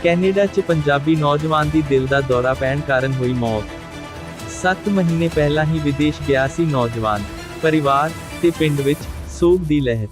Canada 'ਚ ਪੰਜਾਬੀ ਨੌਜਵਾਨ ਦੀ ਦਿਲ ਦਾ ਦੌਰਾ ਪੈਣ ਕਾਰਨ ਹੋਈ ਮੌਤ। 7 ਮਹੀਨੇ ਪਹਿਲਾਂ ਹੀ ਵਿਦੇਸ਼ ਗਿਆ ਸੀ ਨੌਜਵਾਨ। ਪਰਿਵਾਰ ਤੇ ਪਿੰਡ ਵਿੱਚ ਸੋਗ ਦੀ ਲਹਿਰ।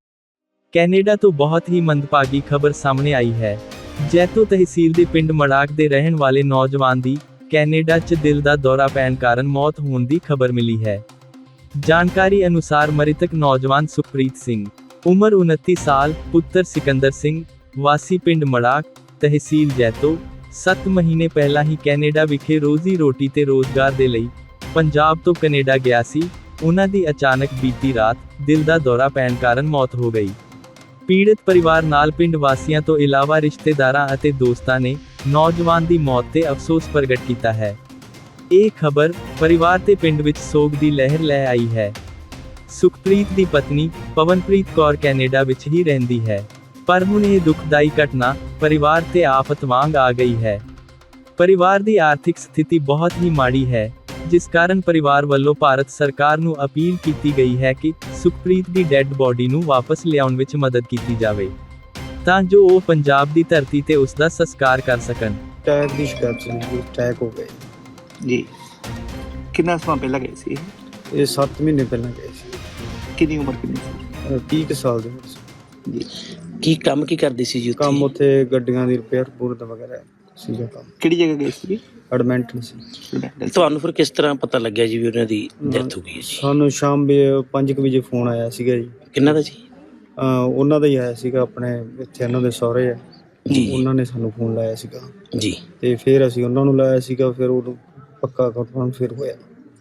ਕੈਨੇਡਾ ਤੋਂ ਬਹੁਤ ਹੀ ਮੰਦਭਾਗੀ ਖਬਰ ਸਾਹਮਣੇ ਆਈ ਹੈ। ਜੈਤੋ ਤਹਿਸੀਲ ਦੇ ਪਿੰਡ ਮੜਾਕ ਦੇ ਰਹਿਣ ਵਾਲੇ ਨੌਜਵਾਨ ਦੀ ਕੈਨੇਡਾ 'ਚ ਦਿਲ ਦਾ ਦੌਰਾ ਪੈਣ ਕਾਰਨ ਮੌਤ ਹੋਣ ਦੀ ਖਬਰ ਮਿਲੀ ਹੈ। ਜਾਣਕਾਰੀ ਅਨੁਸਾਰ ਮ੍ਰਿਤਕ ਨੌਜਵਾਨ ਸੁਖਪ੍ਰੀਤ ਸਿੰਘ, ਉਮਰ 29 ਸਾਲ, ਪੁੱਤਰ ਸਿਕੰਦਰ ਸਿੰਘ, ਵਾਸੀ ਪਿੰਡ ਮੜਾਕ, ਤਹਿਸੀਲ ਜੈਤੋ, 7 ਮਹੀਨੇ ਪਹਿਲਾਂ ਹੀ ਕੈਨੇਡਾ ਵਿਖੇ ਰੋਜ਼ੀ ਰੋਟੀ ਤੇ ਰੋਜ਼ਗਾਰ ਦੇ ਲਈ ਪੰਜਾਬ ਤੋਂ ਕੈਨੇਡਾ ਗਿਆ ਸੀ। ਉਹਨਾਂ ਦੀ ਅਚਾਨਕ ਬੀਤੀ ਰਾਤ ਦਿਲ ਦਾ ਦੌਰਾ ਪੈਣ ਕਾਰਨ ਮੌਤ ਹੋ ਗਈ। ਪੀੜਤ ਪਰਿਵਾਰ ਨਾਲ ਪਿੰਡ ਵਾਸੀਆਂ ਤੋਂ ਇਲਾਵਾ ਰਿਸ਼ਤੇਦਾਰਾਂ ਅਤੇ ਦੋਸਤਾਂ ਨੇ ਨੌਜਵਾਨ ਦੀ ਮੌਤ ਤੇ ਅਫਸੋਸ ਪ੍ਰਗਟ ਕੀਤਾ ਹੈ। ਇਹ ਖਬਰ ਪਰਿਵਾਰ ਤੇ ਪਿੰਡ ਵਿੱਚ ਸੋਗ ਦੀ ਲਹਿਰ ਲੈ ਆਈ ਹੈ। ਸੁਖਪ੍ਰੀਤ ਦੀ ਪਤਨੀ ਪਵਨਪ੍ਰੀਤ ਕੌਰ ਕੈਨੇਡਾ ਵਿੱਚ ਹੀ ਰਹਿੰਦੀ ਹੈ, ਪਰ ਹੁਣ ਇਹ ਦੁਖਦਾਈ ਘਟਨਾ ਪਰਿਵਾਰ ਤੇ ਆਫਤ ਵਾਂਗ ਆ ਗਈ ਹੈ। ਪਰਿਵਾਰ ਦੀ ਆਰਥਿਕ ਸਥਿਤੀ ਬਹੁਤ ਹੀ ਮਾੜੀ ਹੈ, ਜਿਸ ਕਾਰਨ ਪਰਿਵਾਰ ਵੱਲੋਂ ਭਾਰਤ ਸਰਕਾਰ ਨੂੰ ਅਪੀਲ ਕੀਤੀ ਗਈ ਹੈ ਕਿ ਸੁਖਪ੍ਰੀਤ ਦੀ ਡੈੱਡ ਬੋਡੀ ਨੂੰ ਵਾਪਸ ਲਿਆਉਣ ਵਿੱਚ ਮਦਦ ਕੀਤੀ ਜਾਵੇ, ਤਾਂ ਜੋ ਉਹ ਪੰਜਾਬ ਦੀ ਧਰਤੀ ਤੇ ਉਸ ਦਾ ਸੰਸਕਾਰ ਕਰ ਸਕਣ। ਟੈਕ ਦੀ ਸ਼ਿਕਾਇਤ ਸੀ, ਟੈਕ ਹੋ ਗਏ ਜੀ। ਕਿੰਨਾ ਸਮਾਂ ਪਹਿਲਾਂ ਗਏ ਸੀ? ਇਹ 7 ਮਹੀਨੇ ਪਹਿਲਾਂ ਗਏ ਸੀ। ਕਿੰਨੀ ਉਮਰ ਕਿੰਨੀ ਸੀ? 30 ਕੁ ਸਾਲ ਦੇ ਵਿੱਚ। ਜੀ। ਕੀ ਕੰਮ ਕੀ ਕਰਦੇ ਸੀ ਜੀ ਉੱਥੇ? ਕੰਮ ਉੱਥੇ ਗੱਡੀਆਂ ਦੀ ਰਿਪੇਅਰ ਪੂਰਤ ਵਗੈਰਾ ਸੀਗਾ ਕੰਮ। ਕਿਹੜੀ ਜਗ੍ਹਾ ਗਏ ਸੀ? ਐਡਮਿੰਟਨ ਸੀ। ਤੁਹਾਨੂੰ ਫਿਰ ਕਿਸ ਤਰ੍ਹਾਂ ਪਤਾ ਲੱਗਿਆ ਜੀ ਵੀ ਉਹਨਾਂ ਦੀ ਡੈਥ ਹੋ ਗਈ ਹੈ ਜੀ? ਸਾਨੂੰ ਸ਼ਾਮ 5 ਵਜੇ ਫੋਨ ਆਇਆ ਸੀਗਾ ਜੀ। ਕਿੰਨਾ ਦਾ ਜੀ? ਉਹਨਾਂ ਦਾ ਹੀ ਆਇਆ ਸੀਗਾ, ਆਪਣੇ ਇੱਥੇ ਇਹਨਾਂ ਦੇ ਸਹੁਰੇ ਆ ਜੀ। ਉਹਨਾਂ ਨੇ ਸਾਨੂੰ ਫੋਨ ਲਾਇਆ ਸੀਗਾ ਜੀ। ਤੇ ਫਿਰ ਅਸੀਂ ਉਹਨਾਂ ਨੂੰ ਲਾਇਆ ਸੀਗਾ, ਫਿਰ ਉਹ ਪੱਕਾ ਕਨਫਰਮ ਫਿਰ ਹੋਇਆ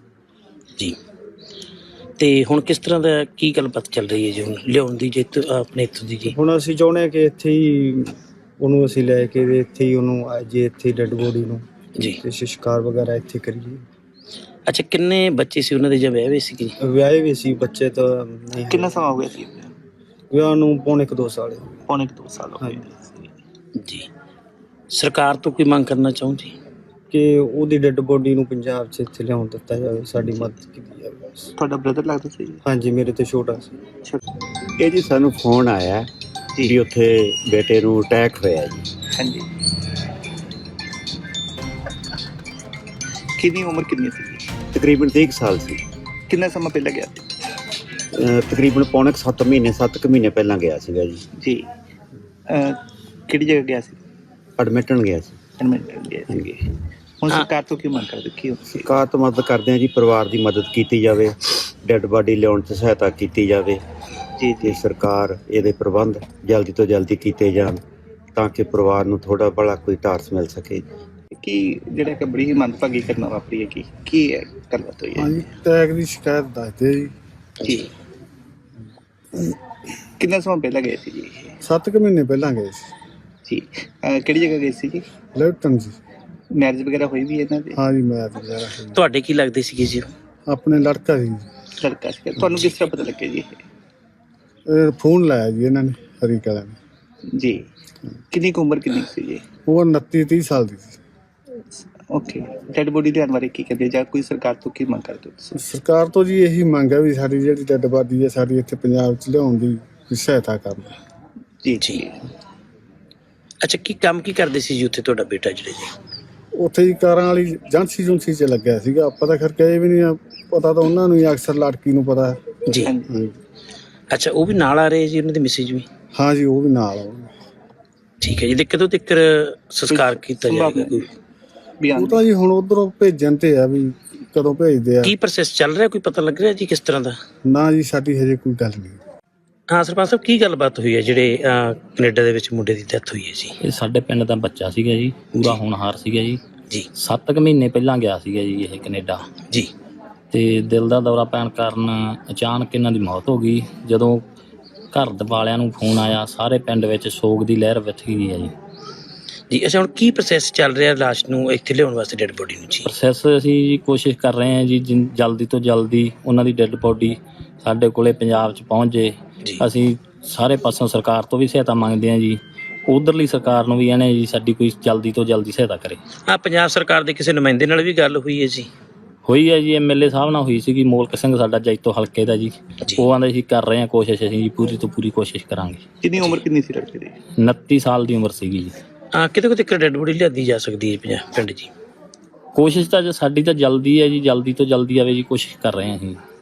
ਜੀ। ਤੇ ਹੁਣ ਕਿਸ ਤਰ੍ਹਾਂ ਦਾ ਕੀ ਗੱਲਬਾਤ ਚੱਲ ਰਹੀ ਹੈ ਜੀ ਹੁਣ ਲਿਆਉਣ ਦੀ ਜੇ ਆਪਣੇ ਇੱਥੋਂ ਦੀ ਜੀ? ਹੁਣ ਅਸੀਂ ਚਾਹੁੰਦੇ ਹਾਂ ਕਿ ਇੱਥੇ ਹੀ ਉਹਨੂੰ ਅਸੀਂ ਲੈ ਕੇ ਤੇ ਇੱਥੇ ਹੀ ਉਹਨੂੰ ਜੇ ਇੱਥੇ ਡੈੱਡ ਬੋਡੀ ਨੂੰ ਜੀ ਤੇ ਸੰਸਕਾਰ ਵਗੈਰਾ ਇੱਥੇ ਕਰੀਏ। ਅੱਛਾ, ਕਿੰਨੇ ਬੱਚੇ ਸੀ ਉਹਨਾਂ ਦੇ ਜਾਂ ਵਿਆਹੇ ਸੀ ਜੀ? ਵਿਆਹੇ ਵੀ ਸੀ, ਬੱਚੇ ਤਾਂ ਨਹੀਂ। ਕਿੰਨਾ ਸਮਾਂ ਹੋ ਗਿਆ ਸੀ? ਵਿਆਹ ਨੂੰ ਪੌਣੇ 2 ਸਾਲ ਹੋ ਗਏ। ਪੌਣੇ 2 ਸਾਲ ਹੋ ਗਏ ਜੀ। ਸਰਕਾਰ ਤੋਂ ਕੀ ਮੰਗ ਕਰਨਾ ਚਾਹੋ ਜੀ? ਕਿ ਉਹਦੀ ਡੈੱਡ ਬੋਡੀ ਨੂੰ ਪੰਜਾਬ 'ਚ ਇੱਥੇ ਲਿਆਉਣ ਦਿੱਤਾ ਜਾਵੇ, ਸਾਡੀ ਮਦਦ ਕੀਤੀ ਜਾਵੇ ਬਸ। ਤੁਹਾਡਾ ਬ੍ਰਦਰ ਲੱਗਦਾ ਸੀ? ਹਾਂਜੀ, ਮੇਰੇ ਤੋਂ ਛੋਟਾ ਸੀ। ਇਹ ਜੀ ਸਾਨੂੰ ਫੋਨ ਆਇਆ ਵੀ ਉੱਥੇ ਬੇਟੇ ਨੂੰ ਅਟੈਕ ਹੋਇਆ ਜੀ। ਹਾਂਜੀ। ਕਿੰਨੀ ਉਮਰ ਕਿੰਨੀ ਸੀ? ਤਕਰੀਬਨ 30 ਸਾਲ ਸੀ। ਕਿੰਨਾ ਸਮਾਂ ਪਹਿਲਾਂ ਗਿਆ ਸੀ? ਤਕਰੀਬਨ ਪੌਣੇ 7 ਮਹੀਨੇ ਪਹਿਲਾਂ ਗਿਆ ਸੀਗਾ ਜੀ। ਜੀ। ਕਿਹੜੀ ਜਗ੍ਹਾ ਗਿਆ ਸੀ? ਐਡਮਿਟਣ ਗਿਆ ਸੀ। ਐਡਮਿਟਨ ਗਿਆ ਸੀ। ਹੁਣ ਸਰਕਾਰ ਤੋਂ ਕੀ ਮੰਗ ਕਰਦੇ? ਕੀ ਸਰਕਾਰ ਤੋਂ ਮਦਦ ਕਰਦੇ ਹਾਂ ਜੀ, ਪਰਿਵਾਰ ਦੀ ਮਦਦ ਕੀਤੀ ਜਾਵੇ, ਡੈੱਡ ਬਾਡੀ ਲਿਆਉਣ 'ਚ ਸਹਾਇਤਾ ਕੀਤੀ ਜਾਵੇ ਜੀ। ਤੇ ਸਰਕਾਰ ਇਹਦੇ ਪ੍ਰਬੰਧ ਜਲਦੀ ਤੋਂ ਜਲਦੀ ਕੀਤੇ ਜਾਣ ਤਾਂ ਕਿ ਪਰਿਵਾਰ ਨੂੰ ਥੋੜਾ ਬੜਾ ਕੋਈ ਟਾਰਸ ਮਿਲ ਸਕੇ। ਕੀ ਜਿਹੜਾ ਕਿ ਬੜੀ ਹੀ ਮੰਦਭਾਗੀ ਘਟਨਾ ਵਾਪਰੀ ਹੈ, ਕੀ ਹੈ ਗੱਲਬਾਤ ਹੋਈ ਹੈ? ਹਾਂਜੀ, ਟੈਕ ਦੀ ਸ਼ਿਕਾਇਤ ਦੱਸਦੇ ਜੀ। ਜੀ। ਕਿੰਨਾ ਸਮਾਂ ਪਹਿਲਾਂ ਗਏ ਸੀ ਜੀ? 7 ਮਹੀਨੇ ਪਹਿਲਾਂ ਗਏ ਸੀ ਜੀ। ਕਿਹੜੀ ਜਗ੍ਹਾ ਗਏ ਸੀ ਜੀ? ਲੈਟਨ ਜੀ। ਮੈਰਿਜ ਵਗੈਰਾ ਹੋਈ ਵੀ ਇਹਨਾਂ ਦੀ? ਹਾਂਜੀ, ਮੈਂ ਤਾਂ ਵਗੈਰਾ ਹੋਈ। ਤੁਹਾਡੇ ਕੀ ਲੱਗਦੇ ਸੀਗੇ ਜੀ? ਆਪਣੇ ਲੜਕਾ ਸੀ। ਲੜਕਾ ਸੀ। ਤੁਹਾਨੂੰ ਕਿਸ ਤਰ੍ਹਾਂ ਪਤਾ ਲੱਗਿਆ ਜੀ? ਇਹ ਫੋਨ ਲਾਇਆ ਜੀ ਇਹਨਾਂ ਨੇ, ਹਰੀ ਕਲਾ ਨੇ ਜੀ। ਕਿੰਨੀ ਕੁ ਉਮਰ ਕਿੰਨੀ ਸੀ ਜੀ? ਉਹ 29-30 ਸਾਲ ਦੀ ਸੀ। ਓਕੇ। ਡੈਡ ਬੋਡੀ ਲਿਆਉਣ ਬਾਰੇ ਕੀ ਕਹਿੰਦੇ, ਜਾਂ ਕੋਈ ਸਰਕਾਰ ਤੋਂ ਕੀ ਮੰਗ ਕਰਦੇ ਹੋ ਤੁਸੀਂ? ਸਰਕਾਰ ਤੋਂ ਜੀ ਇਹੀ ਮੰਗ ਹੈ ਵੀ ਸਾਡੀ ਜਿਹੜੀ ਡੈੱਡ ਬਾਡੀ ਹੈ ਸਾਡੀ ਇੱਥੇ ਪੰਜਾਬ 'ਚ ਲਿਆਉਣ ਦੀ ਸਹਾਇਤਾ ਕਰਨ। ਜੀ। ਜੀ। ਅੱਛਾ, ਕੀ ਕੰਮ ਕੀ ਕਰਦੇ ਸੀ ਜੀ ਉੱਥੇ ਤੁਹਾਡਾ ਬੇਟਾ ਜਿਹੜੇ ਜੀ? ਉੱਥੇ ਹੀ ਕਾਰਾਂ ਵਾਲੀ ਏਜੰਸੀ 'ਚ ਲੱਗਿਆ ਸੀਗਾ। ਆਪਾਂ ਤਾਂ ਖਰ ਕਹੇ ਵੀ ਨਹੀਂ, ਪਤਾ ਤਾਂ ਉਹਨਾਂ ਨੂੰ ਹੀ ਅਕਸਰ ਲੜਕੀ ਨੂੰ ਪਤਾ। ਜੀ। ਹਾਂਜੀ। ਅੱਛਾ, ਉਹ ਵੀ ਨਾਲ ਆ ਰਹੇ ਜੀ ਉਹਨਾਂ ਦੇ ਮਿਸਿਜ ਵੀ? ਹਾਂ ਜੀ, ਉਹ ਵੀ ਨਾਲ ਆਉਣਗੇ। ਠੀਕ ਹੈ ਜੀ। ਤੇ ਕਦੋਂ ਤੱਕ ਸੰਸਕਾਰ ਕੀਤਾ ਜਾਏਗਾ ਕੋਈ? ਉਹ ਤਾਂ ਜੀ ਹੁਣ ਉਧਰੋਂ ਭੇਜਣ ਤੇ ਆ ਵੀ ਕਦੋਂ ਭੇਜਦੇ ਆ। ਕੀ ਪ੍ਰੋਸੈਸ ਚੱਲ ਰਿਹਾ, ਕੋਈ ਪਤਾ ਲੱਗ ਰਿਹਾ ਜੀ ਕਿਸ ਤਰ੍ਹਾਂ ਦਾ? ਨਾ ਜੀ, ਸਾਡੀ ਹਜੇ ਕੋਈ ਗੱਲ ਨਹੀਂ। ਹਾਂ ਸਰਪੰਚ ਸਾਹਿਬ, ਕੀ ਗੱਲਬਾਤ ਹੋਈ ਹੈ ਜਿਹੜੇ ਕੈਨੇਡਾ ਦੇ ਵਿੱਚ ਮੁੰਡੇ ਦੀ ਡੈਥ ਹੋਈ ਹੈ ਜੀ? ਇਹ ਸਾਡੇ ਪਿੰਡ ਦਾ ਬੱਚਾ ਸੀਗਾ ਜੀ, ਪੂਰਾ ਹੋਣਹਾਰ ਸੀਗਾ ਜੀ। ਜੀ। 7 ਮਹੀਨੇ ਪਹਿਲਾਂ ਗਿਆ ਸੀਗਾ ਜੀ ਇਹ ਕੈਨੇਡਾ। ਜੀ। ਤੇ ਦਿਲ ਦਾ ਦੌਰਾ ਪੈਣ ਕਾਰਨ ਅਚਾਨਕ ਇਹਨਾਂ ਦੀ ਮੌਤ ਹੋ ਗਈ। ਜਦੋਂ ਘਰ ਵਾਲਿਆਂ ਨੂੰ ਫੋਨ ਆਇਆ, ਸਾਰੇ ਪਿੰਡ ਵਿੱਚ ਸੋਗ ਦੀ ਲਹਿਰ ਵਿੱਚ ਗਈ ਹੈ ਜੀ। ਜੀ। ਅੱਛਾ, ਹੁਣ ਕੀ ਪ੍ਰੋਸੈਸ ਚੱਲ ਰਿਹਾ ਲਾਸ਼ ਨੂੰ ਇੱਥੇ ਲਿਆਉਣ ਵਾਸਤੇ, ਡੈਡ ਬੋਡੀ ਨੂੰ ਜੀ? ਪ੍ਰੋਸੈਸ ਅਸੀਂ ਕੋਸ਼ਿਸ਼ ਕਰ ਰਹੇ ਹਾਂ ਜੀ ਜਲਦੀ ਤੋਂ ਜਲਦੀ ਉਹਨਾਂ ਦੀ ਡੈਡ ਬੋਡੀ ਸਾਡੇ ਕੋਲੇ ਪੰਜਾਬ 'ਚ ਪਹੁੰਚ ਜੇ। ਅਸੀਂ ਸਾਰੇ ਪਾਸੋਂ ਸਰਕਾਰ ਤੋਂ ਵੀ ਸਹਾਇਤਾ ਮੰਗਦੇ ਹਾਂ ਜੀ, ਉਧਰਲੀ ਸਰਕਾਰ ਨੂੰ ਵੀ ਇਹਨੇ ਜੀ ਸਾਡੀ ਕੋਈ ਜਲਦੀ ਤੋਂ ਜਲਦੀ ਸਹਾਇਤਾ ਕਰੇ। ਪੰਜਾਬ ਸਰਕਾਰ ਦੇ ਕਿਸੇ ਨੁਮਾਇੰਦੇ ਨਾਲ ਵੀ ਗੱਲ ਹੋਈ ਹੈ ਜੀ? ਹੋਈ ਹੈ ਜੀ, MLA ਸਾਹਿਬ ਨਾਲ ਹੋਈ ਸੀਗੀ, ਮੋਲਕ ਸਿੰਘ ਸਾਡਾ ਜੈਤੋ ਹਲਕੇ ਦਾ ਜੀ। ਉਹ ਆਂਦੇ ਸੀ ਕਰ ਰਹੇ ਹਾਂ ਕੋਸ਼ਿਸ਼, ਅਸੀਂ ਜੀ ਪੂਰੀ ਤੋਂ ਪੂਰੀ ਕੋਸ਼ਿਸ਼ ਕਰਾਂਗੇ। ਕਿੰਨੀ ਉਮਰ ਕਿੰਨੀ ਸੀ ਲੜਕੇ ਦੀ? 29 ਸਾਲ ਦੀ ਉਮਰ ਸੀਗੀ ਜੀ। ਕਿਤੇ ਕਿਤੇ ਡੈਡ ਬੋਡੀ ਲਿਆਦੀ ਜਾ ਸਕਦੀ ਹੈ ਪਿੰਡ 'ਚ? ਕੋਸ਼ਿਸ਼ ਤਾਂ ਸਾਡੀ ਤਾਂ ਜਲਦੀ ਹੈ ਜੀ, ਜਲਦੀ ਤੋਂ ਜਲਦੀ ਆਵੇ ਜੀ, ਕੋਸ਼ਿਸ਼ ਕਰ ਰਹੇ ਹਾਂ ਅਸੀਂ।